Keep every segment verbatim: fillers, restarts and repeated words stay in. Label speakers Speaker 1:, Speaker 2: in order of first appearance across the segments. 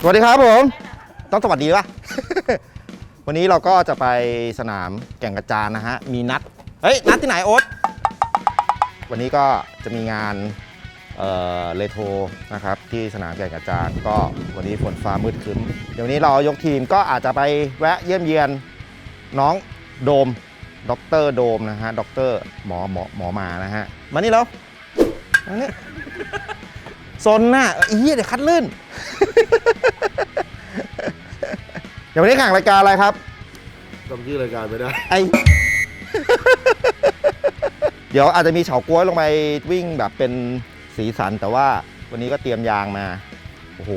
Speaker 1: สวัสดีครับผมต้องสวัสดีป่ะ วันนี้เราก็จะไปสนามแก่งกระจานนะฮะมีนัดเฮ้ยนัดที่ไหนโอ๊ตวันนี้ก็จะมีงานเอ่อเลโทนะครับที่สนามแก่งกระจานก็วันนี้ฝนฟ้ามืดครึ้มเดี๋ยวนี้เรายกทีมก็อาจจะไปแวะเยี่ยมเยียนน้องโดมด็อกเตอร์โดมนะฮะด็อกเตอร์หมอหมอหมอมานะฮะมานี่แล้วมานี่ซนน่ะอีเหี้ยเดี๋ยวคัดลื่น เดี๋ยววันนี้แข่งรายการอะไรครับ
Speaker 2: จำชื่อรายการไม่ได้
Speaker 1: ไอ เดี๋ยวอาจจะมีเฉาก๊วยลงไปวิ่งแบบเป็นสีสันแต่ว่าวันนี้ก็เตรียมยางมาโอ้โห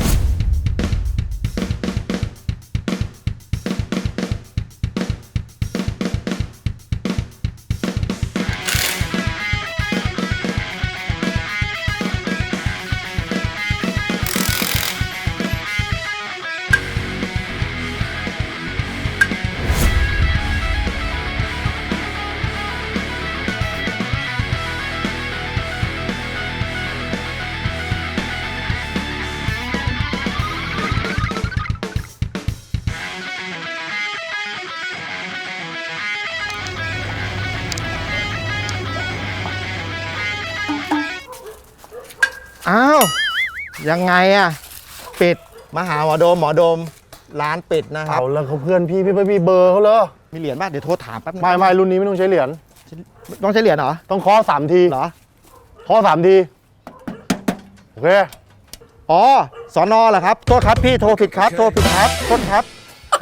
Speaker 1: อ้าวยังไงอะปิดมาหาหมอโดมหมอโดมร้านปิดนะครับ
Speaker 2: เอาแล้วเขาเพื่อนพี่พี่ไม่มีเบอร์เขาเลย
Speaker 1: มีเหรียญป่ะเดี๋ยวโทรถามแป๊บนึง
Speaker 2: ไม่ไม่รุ่นนี้ไม่ต้องใช้เหรียญ
Speaker 1: ต้องใช้เหรียญเหรอ
Speaker 2: ต้องเคาะสามที
Speaker 1: เหรอ
Speaker 2: เคาะสามทีโอเค
Speaker 1: อ๋อสอนอเหรอครับโทษครับพี่โทรผิดครับโทรผิดครับโทษครับ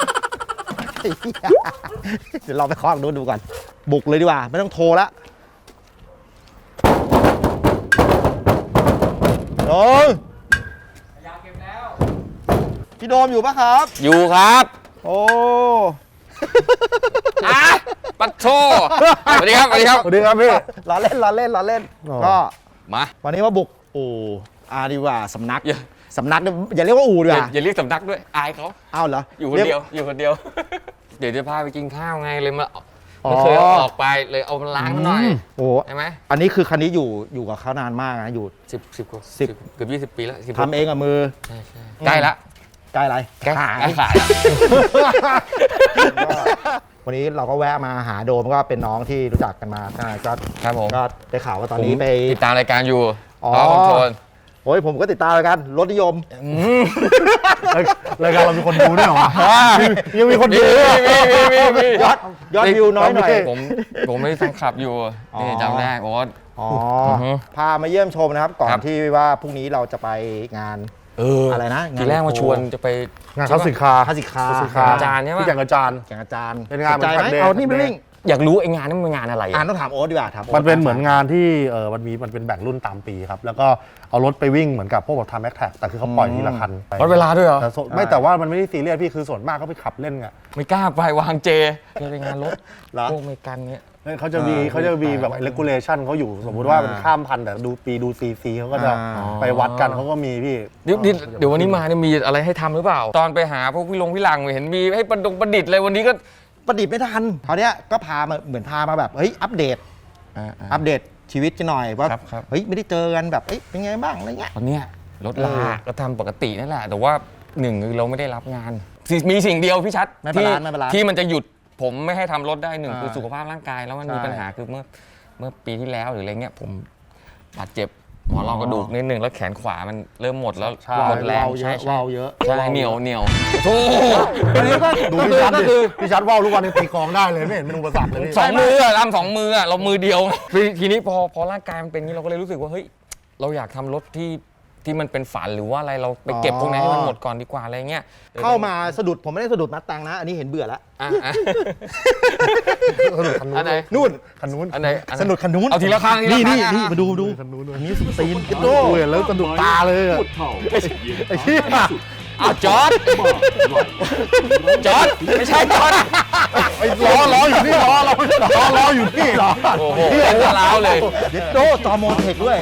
Speaker 1: เดี๋ยวเราไปเคาะดูดูก่อนบุกเลยดีกว่าไม่ต้องโทรละโดมอยากเก็บแล้วพี่โดมอยู่ปะครับ
Speaker 3: อยู่ครับ
Speaker 1: โอ้
Speaker 3: อะปัดโชสวัสดีครับสวัสดีครับ
Speaker 2: สวัสดีครับพี่
Speaker 1: ล้อเล่นล้อเล่นล้อเล่นก็
Speaker 3: มา
Speaker 1: วันนี้มาบุกอู่อาดีว่าสำนักสำนักอย่าเรียกว่าอู่ดีกว่า
Speaker 3: อย่าเรียกสำนักด้วยอายเขา
Speaker 1: อ้าวเหรอ
Speaker 3: อยู่คนเดียวอยู่คนเดียวเดี๋ยวจะพาไปกินข้าวไงเลยมาไม่เคยออกไปเลยเอามาล้างหน่อย
Speaker 1: โอ้
Speaker 3: ใช่ไหม
Speaker 1: อันนี้คือคันนี้อยู่อยู่กับเขานานมากนะอยู่
Speaker 3: สิบสิบกว่า
Speaker 1: สิบ
Speaker 3: เกือบยี่สิบปีแล้ว
Speaker 1: ทำเองกับมือ
Speaker 3: ใช่ใช่ใกล้ละ
Speaker 1: ใกล้อะไร
Speaker 3: ใกล้ขายขาย
Speaker 1: วันนี้เราก็แวะมาหาโดมก็เป็นน้องที่รู้จักกันมาก็
Speaker 3: ครับผม
Speaker 1: ก็ได้ข่าวว่าตอนนี้ไป
Speaker 3: ติดตามรายการอยู่
Speaker 1: อ๋อโอ้ยผมก็ติดตามรายการรถนิยม
Speaker 2: รายการเรามีคนดูด้วยเหรอยังมีคนดู
Speaker 1: ยอดยอดวิวน้อยหน่อย
Speaker 3: ผมผมไม่ได้ฟังขับอยู่นี่จำได้โอ๊ต
Speaker 1: อ๋อพามาเยี่ยมชมนะครับก่อนที่ว่าพรุ่งนี้เราจะไปงานอะไรนะ
Speaker 3: ทีแรกมาชวนจะไป
Speaker 2: งานคลาสสิกคาร์
Speaker 1: คลาสสิกคาร์
Speaker 3: อาจารย์ใช่ไหม
Speaker 2: ที่แก่งกระจาน
Speaker 1: แก่งกระจาน
Speaker 2: เป็นงานเหมือนกัน
Speaker 1: เอานี่ไปวิ่ง
Speaker 3: อยากรู้ไอ้งานนี้มันงานอะไร
Speaker 1: อ่านต้องถามโอ๊ตดีกว่าถาม
Speaker 2: มันเป็นเหมือนงานที่เออมันมีมันเป็นแบ่งรุ่นตามปีครับแล้วก็เอารถไปวิ่งเหมือนกับพวกแบบทำแม็กแท็กแต่คือเขาปล่อยทีละคัน
Speaker 3: วัดเวลาด้วยเหรอ
Speaker 2: ไม่แต่ว่ามันไม่ได้ซีเรียสพี่คือส่วนมากเขาไปขับเล่นไง
Speaker 3: ไม่กล้าไปวางเจจะไปงานรถพวกเมกันเนี้ย
Speaker 2: เขาจะมีเขาจะมีแบบเลกูเลชันเขาอยู่สมมุติว่าเป็นข้ามพันแต่ดูปีดูซีซีเขาก็จะไปวัดกันเขาก็มีพี่
Speaker 3: เดี๋ยวเดี๋ยววันนี้มาเนี่ยมีอะไรให้ทำหรือเปล่าตอนไปหาพวกพี่ลงพี่หลังเห็นมีให้ประดงประดิษฐ์เลยวันนี้ก็
Speaker 1: ประดิษฐ์ไม่ทันคราวนี้ก็พามาเหมือนพามาแบบเฮ้ยอัปเดตอัปเดตชีวิตกันหน่อยว่าเฮ้ยไม่ได้เจอกันแบบเฮ้ยเป็นไงบ้างอะไรเงี้ย
Speaker 3: ตอนเนี้ยรถลาก็ทำปกตินั่นแหละแต่ว่าหนึ่งคือเราไม่ได้รับงานมีสิ่งเดียวพี่ชัดที่ที่มันจะหยุดผมไม่ให้ทำรถได้หนึ่งคือสุขภาพร่างกายแล้วมันมีปัญหาคือเมื่อเมื่อปีที่แล้วหรืออะไรเงี้ยผมบาดเจ็บหมอนรองกระดูกนิดนึงแล้วแขนขวามันเริ่มหมดแล้วหมดแรง
Speaker 1: ใช่ใช่เยอะ
Speaker 3: ใช่เหนียวเหนียวโธ่
Speaker 1: อันนี้ก็
Speaker 2: ดูพี่ชัดดิพี่ชัดว่าวทุกวันนี้ตีกองได้เลยไม่เห็นเป็นอุปสรรคเลย
Speaker 3: สองมืออะทำสองมืออะเรามือเดียวทีนี้พอพอร่างกายมันเป็นนี้เราก็เลยรู้สึกว่าเฮ้ยเราอยากทำรถที่ที่มันเป็นฝันหรือว่าอะไรเราไปเก็บพวกนั้นให้มันหมดก่อนดีกว่าอะไรเงี้ย
Speaker 1: เข้ามาสะดุดผมไม่ได้สะดุดมัดตังนะอันนี้เห็นเบื่อแล้ว
Speaker 2: สะดุดคันนู้น
Speaker 1: นู่น
Speaker 2: คันนู้น
Speaker 3: อันไหน
Speaker 1: สะดุดคันนู้น
Speaker 3: เอาทีละข้าง
Speaker 1: นี่นี่นี่มาดูดูอันนี้สุดตีน
Speaker 2: โอ้ยแล้วสะดุดตาเลยไอ้เหี้ย
Speaker 3: อ้าวจอร์ดจอร์ดไม่ใช่จอร์ด
Speaker 2: ไอ้ล้อล้ออยู่นี่ล้อล้อล้อล้ออยู่นี่ล้อ
Speaker 3: โอ้โหเป็นล้าวเลย
Speaker 1: เด็ดโดจอโมเทคด้วย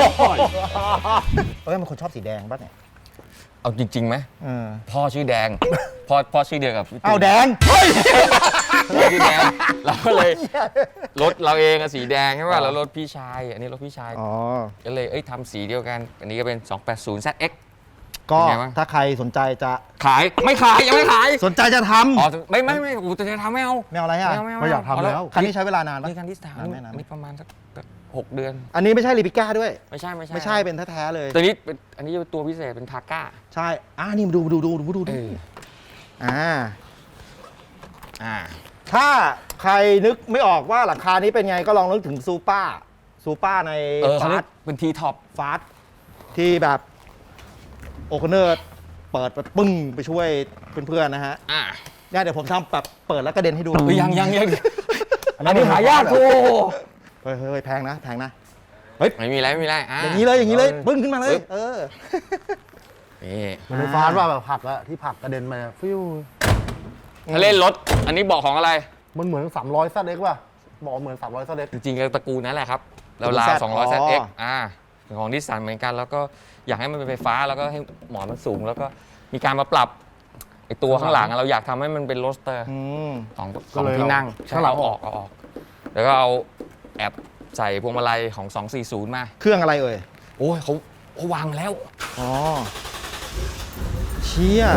Speaker 1: เอ้ยมันคนชอบสีแดงป่ะเนี่ย
Speaker 3: เอาจริงๆไหมพ่อชื่อแดงพ่อพ่อชื่อเดียวกับ
Speaker 1: เอาแดง
Speaker 3: ชื่อแดงเราก็เลยรถเราเองอะสีแดงใช่ป่ะแล้วรถพี่ชายอันนี้รถพี่ชายก็เลยเอ้ยทำสีเดียวกันอันนี้ก็เป็นสองแปดศูนย์ แซด เอ็กซ์
Speaker 1: ก็
Speaker 3: เป็นไงบ้าง
Speaker 1: ถ้าใครสนใจจะ
Speaker 3: ขายไม่ขายยังไม่ขาย
Speaker 1: สนใจจะท
Speaker 3: อ๋อไม่ไม่ไม่กูจะทำไม่เอา
Speaker 1: ำไม่เอาอะไรอ่ะ
Speaker 3: ไม่เอาไม่เอา
Speaker 2: ก็อยากทำแล้ว
Speaker 1: คันนี้ใช้เวลานานปะ
Speaker 3: นี่คันที่สาม
Speaker 1: นานไหมนานไหม
Speaker 3: นี่ประมาณสักหกเดือน
Speaker 1: อันนี้ไม่ใช่รีปิก้าด้วย
Speaker 3: ไม่ใช่ไม่ใช่
Speaker 1: ไม่ใช่เป็นแท้ๆเลย
Speaker 3: ตัวนี้เป็นอันนี้เป็นตัวพิเศษเป็นทาก้า
Speaker 1: ใช่อ่านี่มาดูดูดูดูดู
Speaker 3: เอ
Speaker 1: ดู
Speaker 3: อ
Speaker 1: อ่า
Speaker 3: อ่า
Speaker 1: ถ้าใครนึกไม่ออกว่าหลังคานี้เป็นไงก็ลองนึกถึงซูเปอร์ซูเปอร์ใน
Speaker 3: เออเขา
Speaker 1: ฟา
Speaker 3: เรีย
Speaker 1: ส
Speaker 3: กเป็นทีท็อป
Speaker 1: ฟาสที่แบบโอคเนอร์เปิดไปปึ้งไปช่วยเพื่อนๆนะฮะ
Speaker 3: อ่า
Speaker 1: เนี่ยเดี๋ยวผมทำแบบเปิดแล้วกระเด็นให้ดู
Speaker 3: เฮ้ยยังยังยัง
Speaker 2: อันนั้
Speaker 3: อั
Speaker 2: น
Speaker 3: นนี้หายากโอ้
Speaker 1: เฮ้ยเฮ้ยแพงนะแพงนะ
Speaker 3: ไม่มีอะไรไม่มีอะไรอ่ะ
Speaker 1: อย่างนี้เลยอย่างนี้เลยปึ้งขึ้นมาเลย เออ
Speaker 3: นี่
Speaker 2: มันเป็นฟาสว่าแบบผลักอะที่ผลักกระเด็นมาฟิว
Speaker 3: ถ้าเล่นรถอันนี้บอกของอะไร
Speaker 2: มันเหมือนสามร้อยซัดเอ็กป่ะบอกเหมือนสามร้อยซัดเอ็ก
Speaker 3: จริงๆก็ตระกูลนั่นแหละครับเรา
Speaker 1: ตระกูล
Speaker 3: ลา
Speaker 1: Z
Speaker 3: สองร้อย
Speaker 1: อ๋อ
Speaker 3: แซดเอ็กอ่าของนิสสันเหมือนกัน แล้วก็อยากให้มันเป็นไฟฟ้าแล้วก็ให้หมอนมันสูง แล้วก็มีการมาปรับไอตัวข้างหลังอะเราอยากทำให้มันเป็นโรสเตอร์
Speaker 1: อืม
Speaker 3: สองสองที่นั่ง
Speaker 2: ข้างหลัง
Speaker 3: เอา
Speaker 2: อ
Speaker 3: อ
Speaker 2: อ
Speaker 3: อก กเอาออก แล้วก็เอาแอบใส่พวงมาลัยของสองสี่ศูนย์มา
Speaker 1: เครื่องอะไรเอ่ย
Speaker 3: โอ้ยเขาเขาวางมาแล้ว
Speaker 1: อ๋อเชี่ย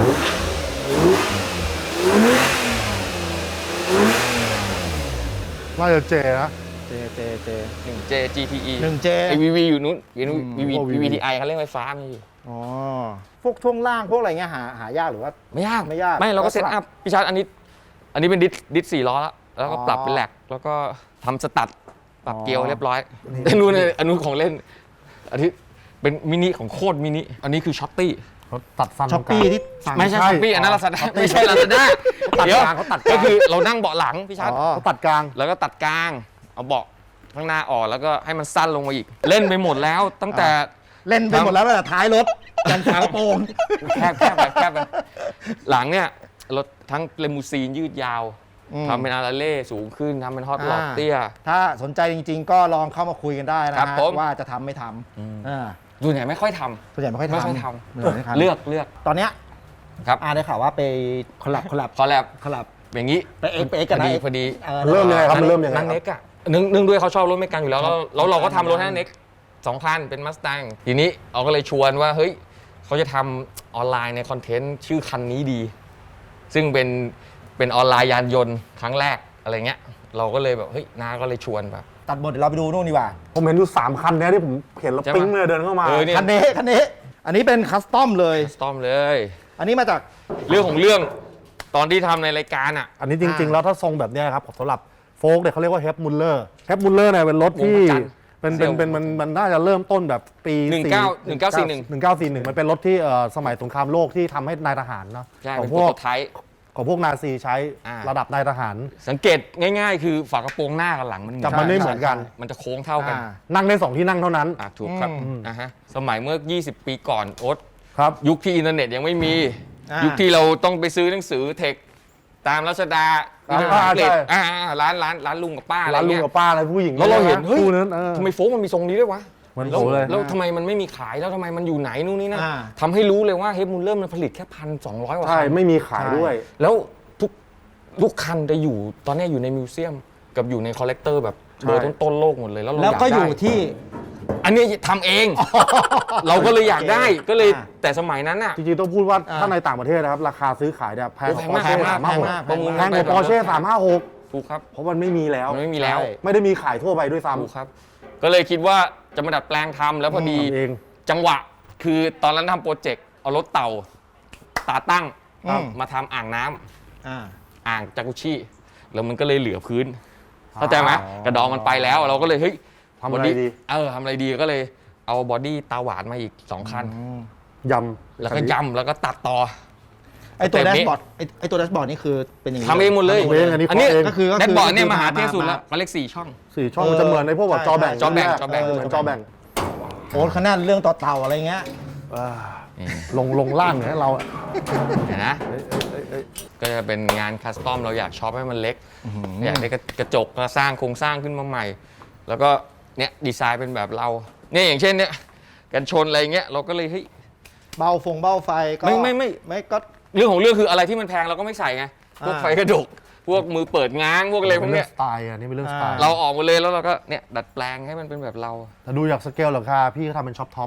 Speaker 2: น่าจะเจนะ
Speaker 1: เจเจเจ
Speaker 3: หนึ่ง เจ จี ที อี
Speaker 1: หนึ่งเจ
Speaker 3: ไอวีวีอยู่นู้นวี
Speaker 1: อืม
Speaker 3: วี
Speaker 2: พวก
Speaker 3: วีวีทีไอเขาเรียกไฟฟ้าไม่อยู่
Speaker 1: อ๋อพวกช่วงล่างพวกอะไรเงี้ยหาหายากหรือว่า
Speaker 3: ไม่ยาก
Speaker 1: ไม่ยาก
Speaker 3: ไม่เราก็
Speaker 1: ก็
Speaker 3: เซต
Speaker 1: สลับ
Speaker 3: อัพพี่ชาร์จอันนี้ อันนี้เป็นดิสดิสสี่ล้อแล้ว แล้วก็
Speaker 1: อ๋อ
Speaker 3: ปรับเป็นแหลกแล้วก็ทำสตัดปรับ
Speaker 1: อ๋อ
Speaker 3: เกียร์เรียบร้อยอันนู้นเลยอันนู้นของเล่น อันนี้เป็นมินิของโคตรมินิอันนี้คือช็อตตี้
Speaker 2: เขาตัดสั้น
Speaker 1: ช้อปปี้ที่สั่ง
Speaker 3: ไม่ใช่
Speaker 2: ใช่
Speaker 3: ช้อปปี้อันนั้นลาซาด้า
Speaker 2: Shopee
Speaker 3: ไม่ใช่ลาซาด้า
Speaker 2: ตัด
Speaker 3: เดี๋ยว
Speaker 2: กลางเขาตัดกลาง
Speaker 3: ก็คือเรานั่งเบาะหลังพี่ชาร์จ
Speaker 1: อ๋อ
Speaker 2: เขาตัดกลาง
Speaker 3: แล้วก็ตัดกลาง เอาเบาะข้างหน้าออกแล้วก็ให้มันสั้นลงมาอีก เล่นไปหมดแล้วตั้งแต่
Speaker 1: เล่นไปหมดแล้วตั้งแต่ท้ายรถยันฝากระโปรง
Speaker 3: แคบแคบไปแคบไปหลังเนี่ยรถทั้งเลมูซีนยืดยาว
Speaker 1: อืม
Speaker 3: ทำเป็นอาราเล่สูงขึ้นทำเป็นฮอตหลอด
Speaker 1: อ่า
Speaker 3: เตี้ย
Speaker 1: ถ้าสนใจจริง ๆ ก็ลองเข้ามาคุยกันได้นะครับ ฮะ
Speaker 3: ผม
Speaker 1: ว่าจะทำไม่ทำอ่า
Speaker 3: ส่วนใหญ่ไม่ค่อยท
Speaker 1: ส่วนใหญ่ไม่ค่อย
Speaker 3: ำ
Speaker 1: ทำ
Speaker 3: ไม่ค่อยท
Speaker 1: ไม่ค่อยทำ
Speaker 3: ำเลือกเลือก
Speaker 1: ตอนเนี้ย
Speaker 3: ครับ
Speaker 1: อาได้ข่าวว่าไปคอลแลบคอลแลบ
Speaker 3: พอแล้ว
Speaker 1: คอลแลบ
Speaker 3: อย่างนี้
Speaker 1: ไปเอ็กไปเอ็กกัน
Speaker 3: พอ
Speaker 1: นะ
Speaker 3: ดี
Speaker 1: เอ็ก
Speaker 3: พอดี
Speaker 1: ออ
Speaker 2: เริ่มยังไงครับมันเริ่มยังไง
Speaker 3: นั่ง
Speaker 2: ครั
Speaker 3: เน็
Speaker 2: บ
Speaker 3: กอะเนื่องเนื่องด้วยเขาชอบรถเมกันอยู่แล้วแล้วแล้วเราก็ทำรถให้เน็กสองคันเป็นมัส t ต n งทีนี้เราก็เลยชวนว่าเฮ้ยเขาจะทำออนไลน์ในคอนเทนต์ชื่อคันนี้ดี ซึ่งเป็นเป็นออนไลน์ยานยนต์ครั้งแรกอะไรเงี้ยเราก็เลยแบบเฮ้ยน้าก็เลยชวนแบบ
Speaker 1: ตัดบทเดี๋ยวเราไปดูนู่นดีกว่า
Speaker 2: ผมเห็นอยู่สามคันเนี้ยที่ผมเห็นแล้ว
Speaker 3: ใช่ปะ
Speaker 2: ปิ๊งเลยเดินเข้ามา
Speaker 3: เออเนี่ย
Speaker 1: คันนี้คันนี้ อันนี้เป็นคัสตอมเลย
Speaker 3: สตอมเลย
Speaker 1: อันนี้มาจาก
Speaker 3: เรื่องของเรื่องตอนที่ทำในรายการอ่ะ
Speaker 2: อันนี้จริง ๆ แล้วถ้าทรงแบบเนี้ยครับสำหรับโฟล์กเนี่ยเขาเรียกว่าเฮปมุลเลอร์เฮปมุลเลอร์เนี่ยเป็นรถที่
Speaker 3: วงประจันทร์
Speaker 2: เป็นเป็นเป็นมันมันน่าจะเริ่มต้นแบบปี
Speaker 3: หนึ่งเก้าหนึ่งเก้าสี่หนึ่ง
Speaker 2: หนึ่งเก้าสี่หนึ่งมันเป็นรถที่เอ่อสมัยสงครามโลกที่ทำให้นายทหารเนาะ
Speaker 3: ใช่
Speaker 2: ขอ
Speaker 3: เป็น
Speaker 2: ง
Speaker 3: โป
Speaker 2: พ
Speaker 3: ร
Speaker 2: วก
Speaker 3: โตไทป์
Speaker 2: ของพวกนาซีใช้
Speaker 3: อ่า
Speaker 2: ระดับนายทหาร
Speaker 3: สังเกตง่ายๆ คือฝากระโปรงหน้ากับหลังมัน
Speaker 2: จับมันไม่เหมือนกัน
Speaker 3: มันจะโค้งเท่ากัน
Speaker 1: อ่า
Speaker 2: นั่งได้สองที่นั่งเท่านั้น
Speaker 3: อ่ะถูกครับ
Speaker 1: อืม
Speaker 3: อ่ะฮะสมัยเมื่อ ยี่สิบ ปีก่อนโอ๊ต
Speaker 2: ครับ
Speaker 3: ยุคที่อินเทอร์เน็ตยังไม่มี
Speaker 1: อ่ายุ
Speaker 3: ยุคที่เราต้องไปซื้อหนังสือเทคตามรัชดา
Speaker 2: อ่า
Speaker 3: ภาษาอังกฤษ
Speaker 2: ใช่
Speaker 3: อ่าร้านร้านร้านลุงกับป้าอะไร
Speaker 2: ร้านลุง
Speaker 3: เงี้ย
Speaker 2: กับป้าอะไรผู้หญิง
Speaker 3: แล้วเราเห็น
Speaker 2: ะ
Speaker 3: เฮ้ย
Speaker 2: คู่นั้นเออ
Speaker 3: ทำไมโฟกมันมีทรงนี้ด้วยวะ
Speaker 2: เหมือน
Speaker 3: แล้ว
Speaker 2: โฟเลย
Speaker 3: แล้วทำไมมันไม่มีขายแล้วทำไมมันอยู่ไหนนู่นนี่นั่น
Speaker 1: อ่า
Speaker 3: ทำให้รู้เลยว่าเฮฟมูลเลอร์มันผลิตแค่พันสองร้อยกว่า
Speaker 2: ใช่
Speaker 3: คัน
Speaker 2: ไม่มีขายด้วย
Speaker 3: แล้วทุกทุกคันจะอยู่ตอนนี้อยู่ในมิวเซียมกับอยู่ในคอลเลกเตอร์แบบเบอร์ต้นๆโลกหมดเลยแล้วเรา
Speaker 1: แล้วก็อยู่
Speaker 3: ากได้
Speaker 1: ที่
Speaker 3: อันนี้ทำเอง เราก็เลยอยากได้ก็เลย
Speaker 1: อ่า
Speaker 3: แต่สมัยนั้นอ่ะ
Speaker 2: จริงๆต้องพูดว่า
Speaker 1: อ่า
Speaker 2: ถ้าในต่างประเทศนะครับ ราคาซื้อขายเนี่ยแพง
Speaker 3: โอ้
Speaker 2: ก
Speaker 3: แพ
Speaker 2: ว่าง ปอ
Speaker 3: มาก
Speaker 2: ร์
Speaker 3: แพ
Speaker 2: เช่
Speaker 3: งมาก
Speaker 2: สาม
Speaker 3: แพ
Speaker 2: ห้าง หก
Speaker 3: มาก
Speaker 2: แพงกว่าปอร์เช่สามห้าหก
Speaker 3: ถูกครับ
Speaker 2: เพราะมันไม่มีแล้ว
Speaker 3: มันไม่มีแล้ว
Speaker 1: ใช่
Speaker 2: ไม่ได้มีขายทั่วไปด้วยซ้
Speaker 3: ถูกครับ ก็เลยคิดว่าจะมาดัดแปลงทำแล้วพอดี
Speaker 2: ำทำเอง
Speaker 3: จังหวะคือตอนนั้นทำโปรเจกต์เอารถเต่าตาตั้ง
Speaker 1: อืม
Speaker 3: มาทำอ่างน้ำ
Speaker 1: อ่า
Speaker 3: อ่างจากุชิแล้วมันก็เลยเหลือพื้นเข้าใจไหมกระดองมันไปแล้วเราก็เลยเฮ้ย
Speaker 2: ทำอะไรดี
Speaker 3: เออทำอะไรดีก็เลยเอาบอดี้ตาหวานมาอีกสองคัน
Speaker 2: ย
Speaker 3: แล้วก็ย้ำแล้วก็ตัดต่อ
Speaker 1: ไอตัว
Speaker 3: แต่
Speaker 1: แดช
Speaker 3: นี้
Speaker 1: บอร์ดไอไอตัวแดชบอร์ดนี่คือเป็นอย่างนี้
Speaker 3: ทำเองหมดเลย
Speaker 2: ำเองอันนี้
Speaker 3: อันนี้
Speaker 2: เคาะเอง
Speaker 1: ก็คือ
Speaker 3: แดชบอร์ดเนี่ย
Speaker 1: ก็คือ
Speaker 3: มาหา
Speaker 1: มา
Speaker 3: เที่ยวสุด
Speaker 1: มา
Speaker 3: แล้วมันเลขสี่ช่อง
Speaker 2: สี่ช่องมันจะเหมือนในพวกแบบ
Speaker 1: ใช่
Speaker 2: จอแบ่ง
Speaker 3: จอแบ่ง
Speaker 2: ใช่ไหม
Speaker 3: จอแบ่ง
Speaker 2: เหมือนจอแบ่ง
Speaker 1: โอ้ขนาดเรื่องต่อเต่าอะไรเงี้ย
Speaker 2: อ่าลงลงล่างเนี่ยเรา
Speaker 3: เห็นนะก็จะเป็นงานคัสตอมเราอยากช็อปให้มันเล็ก อยากได้กระจกมาสร้างโครงสร้างขึ้นมาใหม่ แล้วก็เนี่ยดีไซน์เป็นแบบเราเนี่ยอย่างเช่นเนี่ยกันชนอะไรเงี้ยเราก็เลยเฮ้ย
Speaker 1: เบาฟงเบาไฟก็
Speaker 3: ไม่ไม่ไม่
Speaker 1: ไม่ก็
Speaker 3: เรื่องของเรื่องคืออะไรที่มันแพงเราก็ไม่ใส่ไงพวก
Speaker 1: อ่า
Speaker 3: ไฟกระจกพวกมือเปิดง้างพวกอะไรพวก
Speaker 2: เรื่
Speaker 3: เนี้
Speaker 2: อย งสไตล์อันนี้เป็นเรื่องสไตล์
Speaker 3: เราออกหมดเลยแล้วเราก็เนี่ยดัดแปลงให้มันเป็นแบบเรา
Speaker 2: แต่ดูจากสเกลราคาพี่เขาทำเป็นช็อปท็อป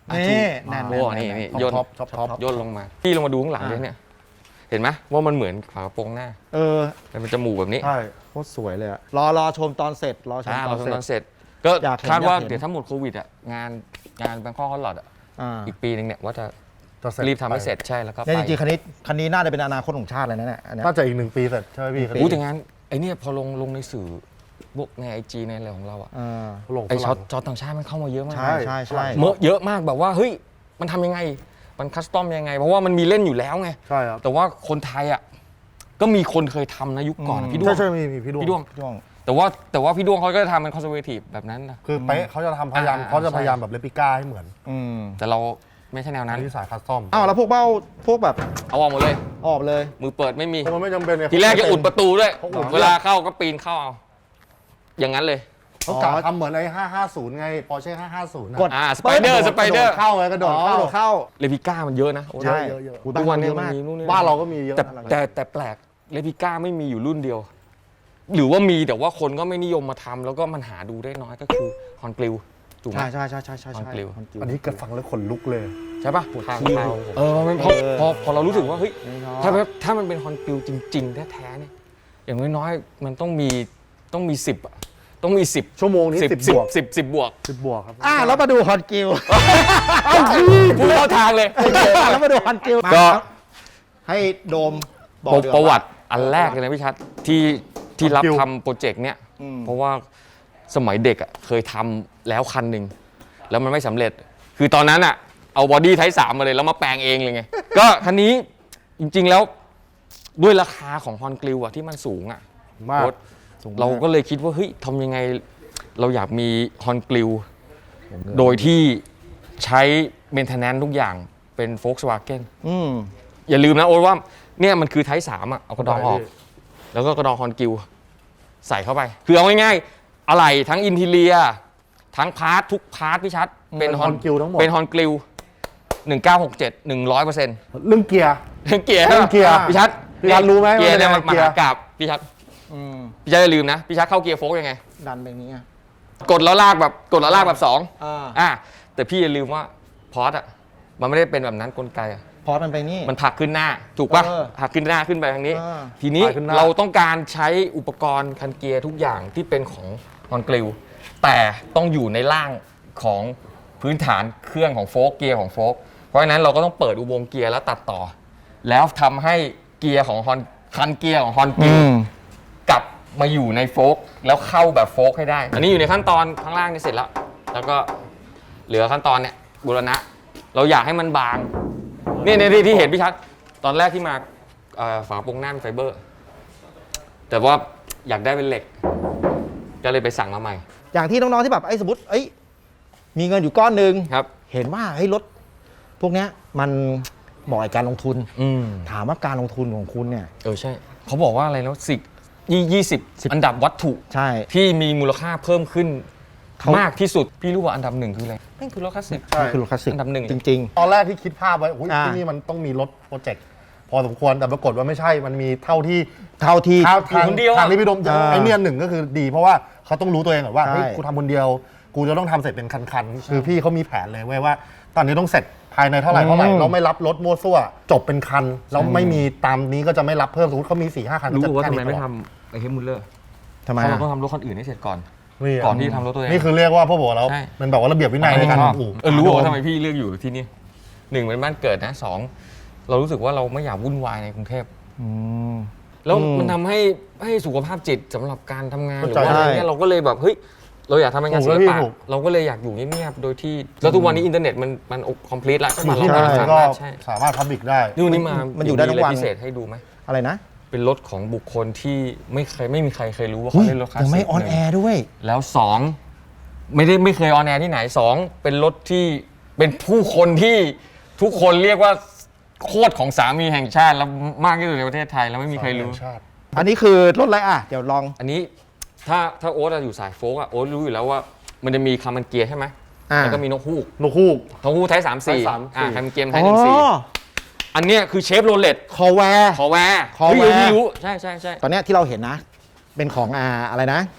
Speaker 1: นี่
Speaker 3: แน่
Speaker 1: แน่
Speaker 3: น
Speaker 1: น
Speaker 3: นี่
Speaker 1: แน่น
Speaker 3: นี่
Speaker 1: แน่น
Speaker 3: ย่น
Speaker 2: ท็อปท็อปท็อป
Speaker 3: ย่นลงมาพี่ลงมาดูข้างหลังด้วยเนี่ย เห็นไหมว่ามันเหมือนฝากระโปรงหน้า
Speaker 1: เออ
Speaker 3: มันเป็นจมูกแบบนี้
Speaker 2: ใช่
Speaker 1: โคตรสวยเลยอะรอรอชมตอนเสร็จรอชม
Speaker 3: อ่า
Speaker 1: ตอ
Speaker 3: เรา
Speaker 1: นเสร็จ
Speaker 3: ทำตอนเสร็จ ก็
Speaker 1: อยากเห็น
Speaker 3: คาดว่า
Speaker 1: อยากเห็น
Speaker 3: เดี๋ยวถ้าหมดโควิดอ่ะงานงานแบงคอกฮอลลอดอ่ะ
Speaker 1: อ่า
Speaker 3: อีกปีหนึงเนี่ยว่าจะ
Speaker 2: จะเสร็จ
Speaker 3: รีบทำให้เสร็จใช่แล้วก็ไป
Speaker 1: เนี่ยจริงๆคันนี้คันนี้น่าจะเป็นอนาคตของชาติเลยนะเนี่ยอันเนี้ย
Speaker 2: น่าจะอีกหนึ่งปีเสร็จใช่ไหมพี่
Speaker 3: อู้แต่งานไอ้เนี่ยพอลงลงในสื่อพวกในไอจีในอะไรของเราอ่ะ
Speaker 1: อ่า
Speaker 2: ลง
Speaker 3: ไอ
Speaker 2: ฝ
Speaker 3: ช็อ
Speaker 2: รั่
Speaker 3: ต
Speaker 2: ง
Speaker 3: จอต่างชาติมันเข้ามาเยอะมาก
Speaker 1: ใช่ใช่ใช่
Speaker 3: เมื่อเยอะมากแบบว่าเฮ้ยมันทำยังไงมันคัสตอมยังไง เพราะว่ามันมีเล่นอยู่แล้วไง
Speaker 2: ใช่ครับ
Speaker 3: แต่ว่าคนไทยอ่ะก็มีคนเคยทำนะยุคก่อนอะพี่ด้ว
Speaker 2: ใช่
Speaker 3: ง
Speaker 2: ใช่มีมีพี่ดวง
Speaker 3: พี่ด้วง
Speaker 1: ช่วง
Speaker 3: แต่ว่าแต่ว่าพี่ด้วงเขาก็จะทำเป็นคอนเซอร์เวทีฟแบบนั้นนะ
Speaker 2: คือเป๊ะเขาจะทำพยายาม
Speaker 3: อ่า
Speaker 2: เขาจะ
Speaker 3: ใช่
Speaker 2: พยายามแบบเลปิก้าให้เหมือน
Speaker 1: อืม
Speaker 3: แต่เราไม่ใช่แนว
Speaker 2: อั
Speaker 3: นั้น น
Speaker 2: นี้สายคัสตอม
Speaker 1: อ้าวแล้วพวกเบ้าพวกแบบ
Speaker 3: เอาออกหมดเลย
Speaker 1: ออกเลย
Speaker 3: มือเปิดไม่มี
Speaker 2: เพราะมันไม่จำเป็นไง
Speaker 3: ทีแรกจะอุดประตูด้วย
Speaker 2: เขาอุด
Speaker 3: เวลาเข้าก็ปีนเข้าเอา อย่างนั้นเลย
Speaker 2: เขากะทำเหมือนไอ้ห้าห้าศูนย์ไงปอร์เช่ห้าห้าศูนย์
Speaker 1: กด
Speaker 3: อ่าสไปเดอร์สไปเดอร์
Speaker 2: เข้าไงกระโด
Speaker 1: อ๋
Speaker 2: ด
Speaker 1: อ
Speaker 2: เข้า
Speaker 1: โดดเข้า
Speaker 3: เลพิก้ามันเยอะนะ
Speaker 1: ใช่
Speaker 2: เยอะเยอะ
Speaker 1: อุ๊ย
Speaker 3: ทุกวันนี้
Speaker 1: เยอะ
Speaker 3: มัน
Speaker 1: มาก
Speaker 3: มีนู่นนี่
Speaker 2: บ้านเราก็มีเยอะ
Speaker 3: แต่
Speaker 2: นะ
Speaker 3: แต่แต่แปลกเลพิก้าไม่มีอยู่รุ่นเดียว หรือว่ามีแต่ว่าคนก็ไม่นิยมมาทำแล้วก็มันหาดูได้น้อยก็คือฮอนกลิวถูกไหม
Speaker 1: ใช่ใช่ใช่ใช่ใช่
Speaker 3: ฮอนกลิว
Speaker 1: ฮอนกลิว
Speaker 2: อันนี้เกิดฟังแล้วขนลุกเลย
Speaker 3: ใช่ปะ
Speaker 1: ทางเข้า
Speaker 3: เออมันพอพอพอเรารู้สึกว่าเฮ้ย
Speaker 1: ไม่ชอบ
Speaker 3: ถ้าแบบถ้ามันเป็นฮอนกลิวจริงๆแท้ๆเนี่ยอย่างน้อยๆมันต้องมีต้องมีสิบอะต้องมีสิบ
Speaker 2: ชั่วโมงนี้
Speaker 3: สิบ
Speaker 2: สิบ
Speaker 3: สิ
Speaker 2: บบ วก
Speaker 3: สิบสิบบวก
Speaker 2: สิบบวกครับ
Speaker 1: อ่าแล้วมาดูฮอนกิล
Speaker 3: พูดเข้าทางเลย
Speaker 1: แล้วมาดูฮอนกิล
Speaker 3: ก็
Speaker 1: ให้โดมบอก
Speaker 3: ประ
Speaker 1: ดีกา
Speaker 3: ประวัติอันแรกเลยนะพี่ชัดที่ที่รับ
Speaker 2: คิว
Speaker 3: ทำโปรเจกต์เนี้ย
Speaker 1: อืม
Speaker 3: เพราะว่าสมัยเด็กอ่ะเคยทำแล้วคันหนึ่งแล้วมันไม่สำเร็จ คือตอนนั้นอ่ะเอาบอดี้ไทป์สามมาเลยแล้วมาแปลงเองเลยไง ก็คันนี้จริงๆแล้วด้วยราคาของฮอนกลิวอ่ะที่มันสูงอ่ะ
Speaker 2: มาก
Speaker 3: โค้ชเราก็เลยคิดว่าเฮ้ยทำยังไงเราอยากมีฮอนกลิวโดยที่ใช้เมนเทนแนนซ์ทุกอย่างเป็น Volkswagen
Speaker 1: อืม
Speaker 3: อย่าลืมนะโอ๊ตว่าเนี่ยมันคือไทป์สามอ่ะเอากระดองออก แล้วก็กระดองฮอนกิลใส่เข้าไป คือเอาง่ายๆอะไรทั้งอินทีเรีย ทั้งพาร์ททุกพาร์ทพี่ชัด เป็นฮอน
Speaker 2: Hon Gill ทั้งหมด
Speaker 3: เป็นฮอนกิลหนึ่งเก้าหกเจ็ด หนึ่งร้อยเปอร์เซ็นต์
Speaker 2: เรื่องเกียร์
Speaker 3: เรื่องเกียร์
Speaker 2: เรื่องเกียร์
Speaker 3: พี่ชัด
Speaker 2: พี่ชัดรู้ไหม
Speaker 3: เกียร์เนี่ย
Speaker 2: ว่า
Speaker 3: มัน
Speaker 2: เป็น
Speaker 3: ม
Speaker 2: ยังไง
Speaker 3: หากราบพี่ชัด
Speaker 1: อืม
Speaker 3: พี่ชัดอย่าลืมนะ พี่ชัดเข้าเกียร์โฟล์กยังไง
Speaker 1: ดันไปอย่างนี้อ่ะ
Speaker 3: กดแล้วลากแบบกดแล้วลากแบบสอง
Speaker 1: อ่า
Speaker 3: อ่ะแต่พี่อย่าลืมว่าพอร์ตอ่ะมันไม่ได้เป็นแบบนั้นกลไกอ่ะ
Speaker 1: พอมันไปนี่
Speaker 3: มันผลักขึ้นหน้าถูกปะ
Speaker 1: เออ
Speaker 3: ผลักขึ้นหน้าขึ้นไปทางนี้
Speaker 1: เออ
Speaker 3: ทีนี้
Speaker 2: ผลักขึ้นหน้า
Speaker 3: เราต้องการใช้อุปกรณ์คันเกียร์ทุกอย่างที่เป็นของฮอนกลิวแต่ต้องอยู่ในร่างของพื้นฐานเครื่องของโฟล์กเกียร์ของโฟล์กเพราะฉะนั้นเราก็ต้องเปิดอุโมงค์เกียร์แล้วตัดต่อ แล้วทำให้เกียร์ของฮอนคันเกียร์ของฮอนกลิวกลับมาอยู่ในโฟล์กแล้วเข้าแบบโฟล์กให้ได้ อันนี้อยู่ในขั้นตอนข้างล่างนี่เสร็จแล้ว แล้วก็เหลือขั้นตอนเนี่ยบูรณะ เราอยากให้มันบาง นี่ในที่ที่เห็นพี่ชัด ตอนแรกที่มาเอ่อฝาโปรงหน้าเป็นไฟเบอร์ แต่ว่าอยากได้เป็นเหล็ก ก็เลยไปสั่งมาใหม่
Speaker 1: อย่างที่น้องๆที่แบบไอ้สมมติเอ้ยมีเงินอยู่ก้อนหนึ่ง
Speaker 3: ครับ
Speaker 1: เห็นว่าเฮ้ยรถพวกเนี้ยมันเหมาะกับการลงทุน
Speaker 3: อืม
Speaker 1: ถามว่าการลงทุนของคุณเนี่ย
Speaker 3: เออใช่ เขาบอกว่าอะไรแล้วสิยี่ยี่สิบอันดับวัตถุ
Speaker 1: ใช่
Speaker 3: ที่มีมูลค่าเพิ่มขึ้น
Speaker 1: เขา
Speaker 3: มากที่สุด พี่รู้ว่าอันดับหนึ่งคืออะไรแม่งคือรถคลาสสิก
Speaker 2: ใช่
Speaker 1: คือรถคลาสสิก
Speaker 3: อันดับหนึ่ง
Speaker 1: จริง
Speaker 2: ตอนแรกที่คิดภาพไว้อุ๊ย
Speaker 1: อ่า
Speaker 2: ที่นี่มันต้องมีรถโปรเจกต์พอสมควรแต่ปรากฏว่าไม่ใช่มันมีเท่าที่
Speaker 1: ๆ เท่าที่
Speaker 2: ทาง
Speaker 3: อยู่คนเดียวอะ
Speaker 2: ทางที่พี่ดมจะ
Speaker 1: อ่า
Speaker 2: ไอเนี่ยหนึ่งก็คือดี เพราะว่าเขาต้องรู้ตัวเองก่อนว่า
Speaker 1: ใช่
Speaker 2: เฮ้ยกูทำคนเดียว กูจะต้องทำเสร็จเป็นคันๆคือพี่เขามีแผนเลยเว้ยว่า ตอนนี้ต้องเสร็จภายในเท่าไหร่เท่าไหร่เราไม่รับรถมั่วซั่วจบเป็นคันแล้วไม่มีตามนี้ก็จะไม่รับเพิ่มสมมติเขามีสี่ห้าคัน
Speaker 3: รู้
Speaker 2: ก็จะ
Speaker 3: ว่า
Speaker 2: แค่
Speaker 3: ทำไม
Speaker 2: นี้
Speaker 3: ไม่
Speaker 2: ตลอด
Speaker 3: ทำไอเฮมุลเลอร์
Speaker 1: ทำไม
Speaker 3: เพราะเรา
Speaker 1: อะ
Speaker 3: ต้องทำรถคนอื่นให้เสร็จก่อน
Speaker 2: นี่
Speaker 3: ก่อนที่ทำรถตัวเอง
Speaker 2: นี่คือเรียกว่าพวกผมแล้ว
Speaker 3: ใช่
Speaker 2: มันแบบว่าระเบียบวินัยในการทำอู่
Speaker 3: เออรู้ว่าทำไมพี่เลือกอยู่ที่นี่หนึ่งเป็นบ้านเกิดนะสองเรารู้สึกว่าเราไม่อยากวุ่นวายในกรุงเทพ
Speaker 1: อืม
Speaker 3: แล้ว
Speaker 1: อืม
Speaker 3: มันทำให้ให้สุขภาพจิตสำหรับการทำงานหรือ
Speaker 2: เข้าใจ
Speaker 3: ว่าอะไรเงี้ยเราก็เลยแบบเฮ้ยเราอยากทำงาน
Speaker 2: ถู
Speaker 3: ศิ
Speaker 2: ก
Speaker 3: ล
Speaker 2: แล้วพี่
Speaker 3: ปะ
Speaker 2: ถูก
Speaker 3: เราก็เลยอยากอยู่เงียบๆโดยที่แล้วทุกวันนี้อินเทอร์เน็ตมันมันคอมพลีทแล้วใช่ไหม
Speaker 2: อยู่
Speaker 3: เรา
Speaker 2: ที่ไหน
Speaker 3: สา
Speaker 2: ก็
Speaker 3: มารถใช่
Speaker 2: สามารถพับบิกได้
Speaker 3: นี่วันนี้มา
Speaker 1: มันอยู่ได้ทั้งวัน
Speaker 3: มีอะไรพิเศษให้ดูไหม
Speaker 1: อะไรนะ
Speaker 3: เป็นรถของบุคคลที่ไม่เคยไม่มีใครเคยรู้ว่าเขาเล่นรถคลาสสิก
Speaker 1: ยังไม่ออนแอร์ด้วย
Speaker 3: แล้วสองไม่ได้ไม่เคยออนแอร์ที่ไหนสองเป็นรถที่เป็นผู้คนที่ทุกคนเรียกว่าโคตรของสามีแห่งชาติแล้วมากที่สุดในประเทศไทยแล้วไม่มีใครรู้
Speaker 2: ชาติ
Speaker 1: อันนี้คือรถอะไรอ่ะ เดี๋ยวลอง
Speaker 3: อันนี้ถ้าถ้าโอ๊ตอะอยู่สายโฟกอะโอ๊ตรู้อยู่แล้วว่ามันจะมีคามันเกียร์ใช่ไหม
Speaker 1: อ่า
Speaker 3: แล้วก็มีนกฮูก
Speaker 2: นกฮูก
Speaker 3: นกฮูกไทยสามสี่
Speaker 2: ไทยสามสี่
Speaker 3: อ่าคามันเกียร์ไทยหนึ่งสี่อันเนี้ยคือเชฟโรเลต
Speaker 1: คอแวร์
Speaker 3: คอแวร์
Speaker 1: คอแวร์
Speaker 3: เฮ้ยเดี๋ยวพี่รู้ใช่ใช่ใช่
Speaker 1: ตอนเนี้ยที่เราเห็นนะ เป็นของอ่าอะไรนะ
Speaker 3: ค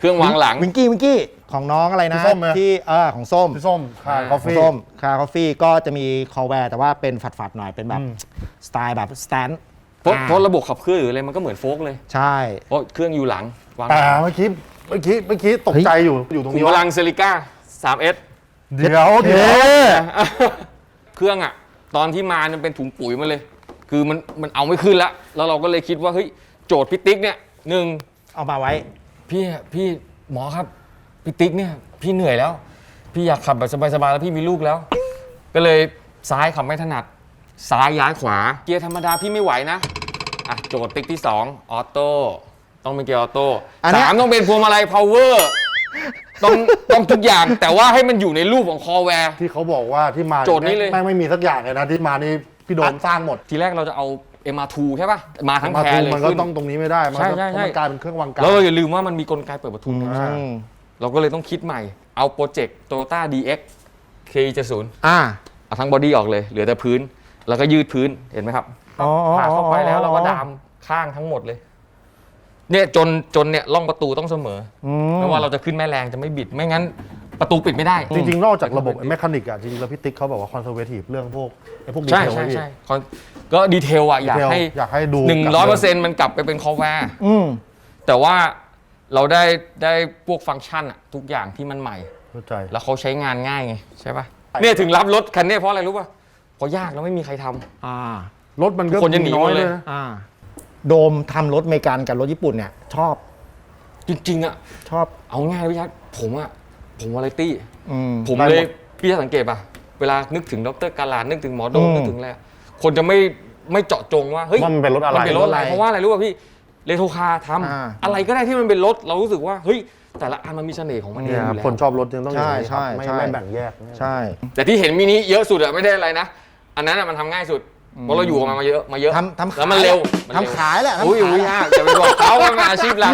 Speaker 3: รื่องวางหลัง
Speaker 1: วิงกี้วิงกี้ของน้องอะไรนะ
Speaker 2: พี่ส้มไหม
Speaker 1: ที่เออของส้ม
Speaker 2: พี่ส้มคาย
Speaker 3: อ่า
Speaker 2: กาแฟ
Speaker 1: ของส้มคาคอฟฟี่ก็จะมีคอแวร์แต่ว่าเป็นฝัดๆหน่อยเป็นแบบ
Speaker 2: อืม
Speaker 1: สไตล์แบบสแตนด์
Speaker 3: เพราะเพราะระบบขับเคลื่อนหรืออะไรมันก็เหมือนโฟล์กเลย
Speaker 1: ใช่
Speaker 3: เพราะเครื่องอยู่หลังวาง
Speaker 2: แต่เมื่อกี้เมื่อกี้เมื่อกี้ตกใจอยู่อยู่ตรง
Speaker 3: ขุม
Speaker 2: นี้
Speaker 3: พ
Speaker 2: ว่า
Speaker 3: ลังเซริก้า ทรีเอส
Speaker 2: เดี๋ยวเดี๋ยว
Speaker 3: เครื่องอ่ะ ตอนที่มามันเป็นถุงปุ๋ยมาเลย คือมันมันเอาไม่ขึ้นละแล้วเราก็เลยคิดว่าเฮ้ยโจทย์พี่ติ๊กเนี่ยหนึ่ง
Speaker 1: เอามาไว้
Speaker 3: พี่พี่หมอครับพี่ติ๊กเนี่ยพี่เหนื่อยแล้ว พี่อยากขับแบบสบายๆแล้วพี่มีลูกแล้ว ก็เลยซ้ายขับไม่ถนัดซ้ายย้ายขวาเกียร์ธรรมดาพี่ไม่ไหวนะอ่ะโจทย์ติ๊กที่สองออโต้ต้องเป็นเกียร์ออโต้
Speaker 1: อันเนี้ย
Speaker 3: สามต้องเป็นพวงมาลัยพาวเวอร์ต้องต้องทุกอย่างแต่ว่าให้มันอยู่ในรูปของคอแวร์
Speaker 2: ที่เขาบอกว่าที่มา
Speaker 3: โจทย์นี้เลย
Speaker 2: แม่งไม่มีสักอย่างเลยนะที่มานี่พี่โดมสร้างหมด
Speaker 3: ทีแรกเราจะเอา เอ็ม อาร์ ทู ใช่ป่ะมาทั้ง
Speaker 2: มา
Speaker 3: แพร
Speaker 2: ทู
Speaker 3: เลย
Speaker 2: มันก็
Speaker 3: ขึ้น
Speaker 2: ต้องตรงนี้ไม่ได้มัน
Speaker 3: ใช่
Speaker 2: ก็
Speaker 3: ใช่ใช่
Speaker 2: มันกลายเป็นเครื่องวางกา
Speaker 3: แล้ว
Speaker 2: ร
Speaker 3: เราอย่าลืมว่ามันมีกลไกเปิดประทุน
Speaker 2: อ่า
Speaker 1: อืม
Speaker 3: เราก็เลยต้องคิดใหม่เอาโปรเจกต์ Toyota ดี เอ็กซ์ เค เจ็ดสิบ
Speaker 1: อ่า
Speaker 3: เอาทั้งบอดี้ออกเลยเหลือแต่พื้น แล้วก็ยืดพื้นเห็นไหมครับ
Speaker 1: อ๋ออ๋อ
Speaker 3: ผ่าเข้าไปแล้วเราก็ดามข้างทั้งหมดเลย เนี่ยจนจนเนี่ยร่องประตูต้องเสมอ
Speaker 1: อื
Speaker 3: อ
Speaker 1: ม
Speaker 3: ไม่ว่าเราจะขึ้นแม่แรงจะไม่บิด ไม่งั้นประตูปิดไม่ได้
Speaker 2: จริงๆ นอกจากระบบแมคานิกอะจริงๆแล้วพี่ติ๊กเขาบอกว่าคอนเซอร์เวทีฟเรื่องพวกไอ้พวกดี
Speaker 3: ใช่
Speaker 2: เทล
Speaker 3: ใช่
Speaker 2: ไว้พี่
Speaker 3: ใช่คอนก็ดีเทลอะอยากให้
Speaker 2: อยากให้ดู
Speaker 3: หนึ่งร้อยเปอร์เซ็นต์มันกลับไปเป็นคอแวร์
Speaker 1: อืม
Speaker 3: แต่ว่าเราได้ได้พวกฟังก์ชันอะทุกอย่างที่มันใหม่
Speaker 2: เข้าใจ
Speaker 3: แล้วเขาใช้งานง่ายไงใช่ป่ะเนี่ยถึงรับรถคันนี้เพราะอะไรรู้ป่ะเพราะยากแล้วไม่มีใครทำ
Speaker 1: อ่า
Speaker 2: รถมันก็
Speaker 3: คนจะหนี
Speaker 2: น้อย
Speaker 3: หมด
Speaker 2: เล
Speaker 3: เลย ย
Speaker 2: นะ
Speaker 1: อ่า โดมทำรถอเมริกันกับรถญี่ปุ่นเนี่ย ชอบ
Speaker 3: จริงๆอะ
Speaker 1: ชอบ
Speaker 3: เอาง่ายเลยพี่ชัดผมอะผมวาไรตี้
Speaker 1: อืม
Speaker 3: ผมเลยพี่จะสังเกตป่ะเวลานึกถึงดรกาลานึกถึงหมอโดม
Speaker 1: อืม
Speaker 3: นึกถึงอะไรอะคนจะไม่ไม่เจาะจงว่าเฮ้ย
Speaker 2: ว่ามันเป็นรถอะไร
Speaker 3: มันเป็นรถอะไร
Speaker 1: รถอะไร
Speaker 3: เพราะว่าอะไรรู้ป่ะพี่เรโทรคาร์ท
Speaker 1: อ่า
Speaker 3: ำอะไรก็ได้ที่มันเป็นรถเรารู้สึกว่าเฮ้ยแต่ละอันมันมีเสน่ห์ของมันเอ
Speaker 2: เนี่
Speaker 3: ง
Speaker 2: ย
Speaker 3: อ
Speaker 2: ครับ
Speaker 3: ยู่แล้ว
Speaker 2: คนชอบรถยังต้องอย่างนี้
Speaker 1: ใช่
Speaker 2: ครับไม่
Speaker 1: ใช่
Speaker 2: ไม่แบ่งแยก
Speaker 1: ใช่
Speaker 3: แต่ที่เห็นมินิเยอะสุดอะไม่ได้อะไรนะ อันนั้นอะมันทำง่ายสุดเพราะเราอยู่กับมันมาเยอะมาเยอะ
Speaker 1: ทำทำ
Speaker 3: แล้วมันเร็วมันเร็ว
Speaker 1: ทำขายแหละทำ
Speaker 3: อุ้ย
Speaker 1: ขาย
Speaker 3: อุ้ย
Speaker 1: แหละ
Speaker 3: ยากจะไปบอกเขาว่ามันอาชีพหลัก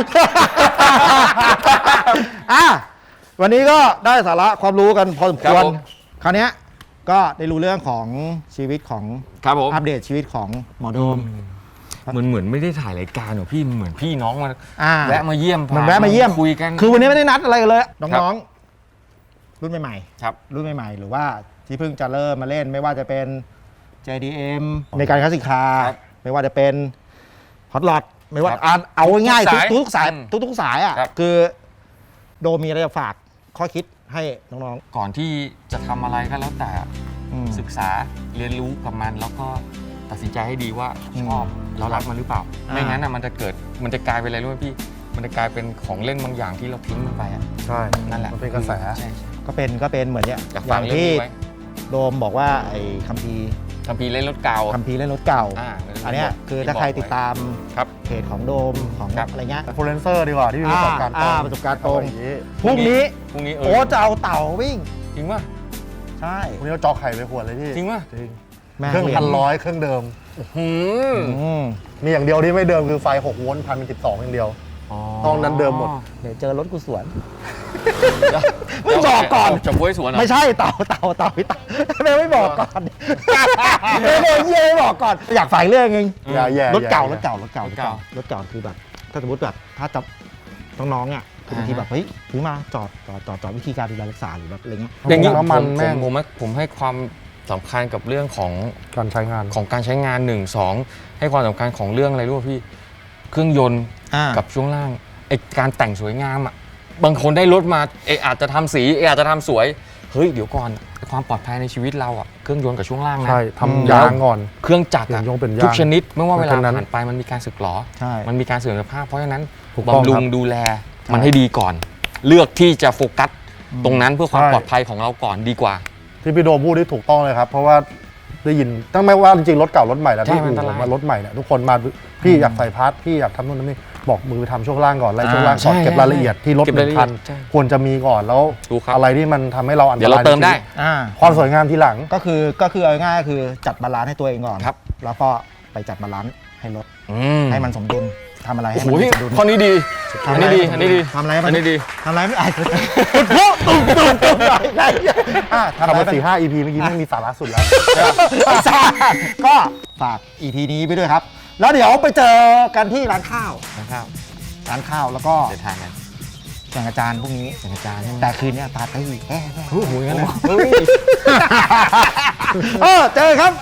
Speaker 1: อ่ะวันนี้ก็ได้สาระความรู้กันพอสมคว
Speaker 3: ค
Speaker 1: ร
Speaker 3: รับผม
Speaker 1: คราวเนี้ยก็ได้รู้เรื่องของชีวิตของ
Speaker 3: ครับผม
Speaker 1: อัปเดตชีวิตของหมอโดม
Speaker 3: มันเหมือนไม่ได้ถ่ายรายการหรอพี่มันเหมือนพี่น้องมา
Speaker 1: อ่า
Speaker 3: แวะมาเยี่ยม
Speaker 1: มันแวะมาเยี่ยม
Speaker 3: คุยกัน
Speaker 1: คือวันนี้ไม่ได้นัดอะไรกันเลย
Speaker 3: ครั
Speaker 1: น้อง
Speaker 3: บ
Speaker 1: ๆ รุ่นใหม่
Speaker 3: ครับ
Speaker 1: ๆ รุ่นใหม่ๆ หรือว่าที่เพิ่งจะเริ่มมาเล่นไม่ว่าจะเป็น เจ ดี เอ็ม ในการคลาสสิกคาร์
Speaker 3: ครับ
Speaker 1: ไม่ว่าจะเป็นฮอตลอดไม่ว่า
Speaker 3: ครับ
Speaker 1: อ่ะเอาง่ายๆ
Speaker 3: ทุ
Speaker 1: ทุ
Speaker 3: ก
Speaker 1: ก
Speaker 3: สาย
Speaker 1: ทุกๆสาย
Speaker 3: อืม
Speaker 1: ทุกๆสายอ่ะ
Speaker 3: ครับ
Speaker 1: คือโดมมีอะไรจะฝากข้อคิดให้น้อง
Speaker 3: ก่อนที่จะทำอะไรก็แล้วแต่
Speaker 1: ๆอืม
Speaker 3: ศึกษาเรียนรู้กับมัน แล้วก็ตัดสินใจให้ดีว่า
Speaker 1: อืม
Speaker 3: ชอบแล้วรักมันหรือเปล่า
Speaker 1: อ่า
Speaker 3: ไม่งั้นอ่ะมันจะเกิดมันจะกลายเป็นอะไรรู้ไหมพี่ มันจะกลายเป็นของเล่นบางอย่างที่เราทิ้งมันไปอ่ะ
Speaker 2: ใช่
Speaker 3: นั่นแหละ
Speaker 2: มันเป็นกระแส
Speaker 3: ใช่ใช่
Speaker 1: ก็เป็นก็เป็นเหมือนเนี้ย
Speaker 3: อยาก
Speaker 1: อ
Speaker 3: ฟั
Speaker 1: ย่าง ง
Speaker 3: เรื่อง
Speaker 1: ที่
Speaker 3: นี้ไว้
Speaker 1: โดมบอกว่าไอ้คัมภีร์
Speaker 3: คัมภีร์เล่นรถเก่า
Speaker 1: คัมภีร์เล่นรถเก่า
Speaker 3: อ่า
Speaker 1: อันเนี้ยคือถ้าใครติดตาม
Speaker 3: ครับ
Speaker 1: เพจของโดมของ
Speaker 3: ครับ
Speaker 1: อะไรเงี้ย
Speaker 2: อินฟลูเอนเซอร์ดีกว่าที่มีประสบการณ์ตรง
Speaker 1: อ่าประสบการณ์ตรง
Speaker 2: เออย่นี้
Speaker 1: พรุ่งนี้
Speaker 3: พรุ่งนี้เอ
Speaker 1: โอ้
Speaker 3: อ
Speaker 1: จะเอาเต่าวิ่ง
Speaker 3: จริงป่ะ
Speaker 1: ใช่
Speaker 2: วันนี้เราจอไข่ไปขวดเลยพี่
Speaker 3: จริงป่ะ
Speaker 2: จริง
Speaker 1: แม่
Speaker 2: เครื่อง
Speaker 1: รีย
Speaker 2: พันร้อยเครื่องเดิม
Speaker 3: หืม
Speaker 1: อืม
Speaker 2: มีอย่างเดียวที่ไม่เดิมคือไฟหกโวลต์พันสิบสองอย่างเดียว ตอนนั้นเดิมหมด
Speaker 1: เดี๋ยวเจอรถกูสวน
Speaker 3: เดี๋ยว
Speaker 1: ไม่บอกก่อน
Speaker 3: เาจะบ้วยสวนเหรอ
Speaker 1: ไม่ใช่เต่าเต่าเต่าพี่เต่าไม่ไม่บอกก่อนไม่บอกเยี่ยไม่บอกก่อน อยากฝ่ายเรื่องนึง
Speaker 2: อย่าแย่
Speaker 1: รถเก่า
Speaker 2: อย่
Speaker 1: รถเก่ารถเก่ารถเก่ารถเก่าคือแบบ ถ้าสมมติแบบถ้าจะน้องๆอ่ะคือบางทีแบบเฮ้ยซื้อมาจอดจอดจอดจอดวิธีการดูแลรักษาหรือแบบอะไรเงี้ย
Speaker 3: อย่างนี้
Speaker 2: น้ำมัน
Speaker 3: ผ
Speaker 2: แม่ง
Speaker 3: ผมผมผมให้ความสำคัญกับเรื่องของ
Speaker 2: การใช้งาน
Speaker 3: ของการใช้งานหนึ่งสองให้ความสำคัญของเรื่องอะไรรู้ป่ะพี่ เครื่องยนต์
Speaker 1: อ่า
Speaker 3: กับช่วงล่างไอการแต่งสวยงามอ่ะบางคนได้รถมาเออาจจะทำสีเออาจจะทำสวยเฮ้ยเดี๋ยวก่อนความปลอดภัยในชีวิตเราอ่ะเครื่องยนต์กับช่วงล่างนะ
Speaker 2: ใช่
Speaker 3: อืม
Speaker 2: ทำยางก่อน
Speaker 3: เครื่องจักร
Speaker 2: เปลี่
Speaker 3: อะ
Speaker 2: ยนยงเป็นยาง
Speaker 3: ทุกชนิดไม่ว่าเวลา
Speaker 2: เพราะฉะนั้น
Speaker 3: ผ่านไปมันมีการสึกหรอ
Speaker 1: ใช่
Speaker 3: มันมีการเสื่อมสภาพเพราะฉะนั้น
Speaker 2: ถูกต้อง
Speaker 3: บำรุ
Speaker 2: ครั
Speaker 3: ง
Speaker 2: บ
Speaker 3: ดูแลมันให้ดีก่อน เลือกที่จะโฟกัสตรงนั้นเพื่อความ
Speaker 2: ใช่
Speaker 3: ปลอดภัยของเราก่อนดีกว่า
Speaker 2: ที่พี่โดมพูดที่ถูกต้องเลยครับ เพราะว่าได้ยินตั้งไม่ว่าจริงๆรถเก่ารถใหม่แล้ว
Speaker 3: ใช่
Speaker 2: ที่
Speaker 3: มัน
Speaker 2: อู่
Speaker 3: อันตราย
Speaker 2: มารถใหม่เนี่ยทุกคนมาพี่อยากใส่พาร์ทพี่อยากทำนู่นทำนี่บอกมือไปทำช่วงล่างก่อนไล่ช่วงล่างก่อน
Speaker 3: อ่าใช่
Speaker 2: เก็บรายละเอียดที่รถ
Speaker 3: เก็บ
Speaker 2: ห
Speaker 3: รา
Speaker 2: นึ่
Speaker 3: ย
Speaker 2: ง
Speaker 3: ละเอี
Speaker 2: คั
Speaker 3: ย
Speaker 2: น
Speaker 3: ดใช่
Speaker 2: ควรจะมีก่อนแล้ว
Speaker 3: ถูกครับ
Speaker 2: อะไรที่มันทำให้เราอันต
Speaker 3: เดี๋ยว
Speaker 2: รา
Speaker 3: เรา
Speaker 2: ย
Speaker 3: เติมได้
Speaker 2: ในชีวิต
Speaker 1: อ่า
Speaker 2: ความสวยงามทีหลัง
Speaker 1: ก็คือก็คือเอาง่ายๆคือจัดบาลานซ์ให้ตัวเองก่อน
Speaker 3: ครับ
Speaker 1: แล้วก็ไปจัดบาลานซ์ให้รถ
Speaker 3: อืม
Speaker 1: ให้มันสมดุลทำอะไรให้
Speaker 3: โอ้
Speaker 1: มั
Speaker 3: โห
Speaker 1: นสมดุล
Speaker 3: ข้อนี้ดีอันนี้ดีอันนี้ดี
Speaker 1: ทำอะไรให้มั
Speaker 3: อั
Speaker 1: น
Speaker 3: นนี้ดี
Speaker 1: ทำอะไรไม่ไอ้ปุ๊บตุ้มตุ้มตุ้มอะไรไงอ่ะทำ
Speaker 2: ขับ
Speaker 1: อะไร
Speaker 2: มา
Speaker 1: ให้มัน
Speaker 2: สี่ห้า อี พี เมื่อกี้ไม่มีสาระสุดแล้ว
Speaker 1: ไม่ทราบก็ฝาก อี พี นี้ไปด้วยครับ แล้วเดี๋ยวไปเจอกันที่ร้านข้าว
Speaker 3: นะครับ
Speaker 1: ร้านข้าวแล้วก็
Speaker 3: เดินทางกัน
Speaker 1: แข่งอาจารย์พวกนี้
Speaker 3: แข่งอาจารย์ใช่ไหม
Speaker 1: แต่คืนนี้ปาร์ตี้แฮ่แฮ่
Speaker 3: โอ้โหงั้นเลยเฮ้ย
Speaker 1: เออเจอครับ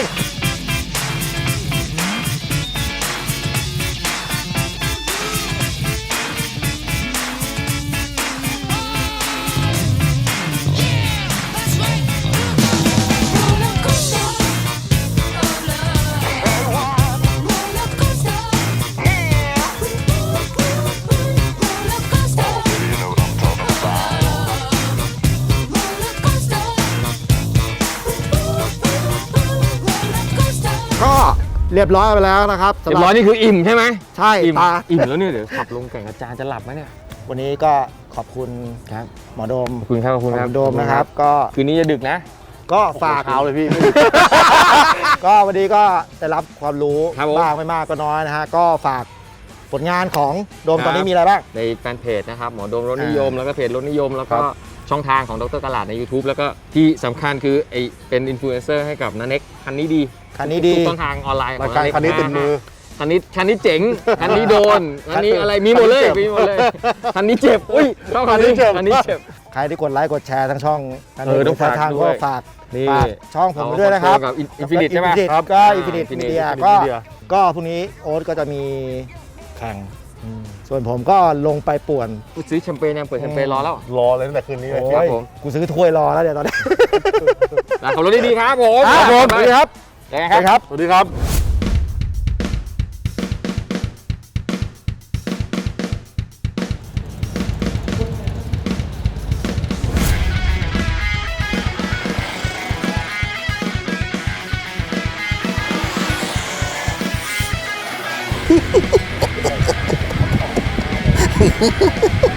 Speaker 1: ก็เรียบร้อยไปแล้วนะครับ
Speaker 3: เรียบร้อยนี่คืออิ่มใช่ไหม
Speaker 1: ใช่
Speaker 3: อิ่ม
Speaker 1: ตา
Speaker 3: อิ่มแล้วเนี่ยเดี๋ยวขับลงแก่งอาจารย์จะหลับไหมเนี่ย
Speaker 1: วันนี้ก็ขอบคุณ
Speaker 3: ครับ
Speaker 1: หมอโดม
Speaker 3: ขอบคุณครับขอบคุณ
Speaker 1: หม
Speaker 3: ค
Speaker 1: อ
Speaker 3: รับ
Speaker 1: โดมนะครับ ก็
Speaker 3: คืนนี้จะดึกนะ
Speaker 1: ก็ฝาก
Speaker 2: เช้าเลยพี่
Speaker 1: ก็วันนี้ก็ได้รับความรู้
Speaker 3: ครับผม
Speaker 1: บ้างไม่มากก็น้อยนะฮะก็ฝากผลงานของโดม
Speaker 3: ครับ
Speaker 1: ตอนนี้มีอะไรบ้าง
Speaker 3: ในแฟนเพจนะครับหมอโดมรถนิยม
Speaker 1: อ่า
Speaker 3: แล้วก็เพจรถนิยม แล้วก็
Speaker 1: ครับ
Speaker 3: ช่องทางของดรตลาดใน YouTube แล้วก็ที่สำคัญคือไอเป็นอินฟลูเอนเซอร์ให้กับนันเน็กคันนี้ดี
Speaker 1: คันนี้ดี
Speaker 3: ทุกช่องทางออนไลน์ข
Speaker 2: รา
Speaker 3: อย ง
Speaker 2: การ
Speaker 3: นันเน็ก
Speaker 2: คันนี้ติดมือ
Speaker 3: คันนี้คันนี้เจ๋งคันนี้โดนคันนี้อะไรมีหมดเลย
Speaker 2: คันนี้เจ็บ
Speaker 3: มีหมดเลยคันนี้เจ็บอุ้ยชอบคันนี้
Speaker 2: คันนี้เจ็บ
Speaker 3: คันนี้เจ็บ
Speaker 1: ใครที่กดไลค์กดแชร์ทั้งช่อง
Speaker 3: เออต้องฝาก
Speaker 1: ทาง
Speaker 3: ด้วย
Speaker 1: ก็ฝาก
Speaker 3: นี่
Speaker 1: ฝากช่องผมไปด้วยนะครับ
Speaker 3: กับอินฟินิตใช่ไหม
Speaker 1: ครับก็อินฟินิต
Speaker 3: Infinite
Speaker 1: มีเดีย
Speaker 3: Infinite
Speaker 1: ก็
Speaker 2: Media
Speaker 1: ก็พรุ่งนี้โอ๊ตก็จะมีแข่ง ส่วนผมก็ลงไปป่วน
Speaker 3: ซื้อแชมเปญยังเปิดแชมเปญรอแล้ว
Speaker 2: รอเลยตั้งแต่คืนนี้เลย
Speaker 1: โอ้
Speaker 3: ครับ
Speaker 1: ย
Speaker 3: ผม
Speaker 1: กูซื้อถ้วยรอแล้วเดี๋ยวตอนนี้
Speaker 3: นะขับรถดีๆครับผม
Speaker 1: ครับผมสวัสดีครับ
Speaker 3: เจอกัน
Speaker 1: สวัสดี
Speaker 3: ค
Speaker 1: ครับ รับ
Speaker 2: สวัสดีครับ
Speaker 1: Ha ha ha ha!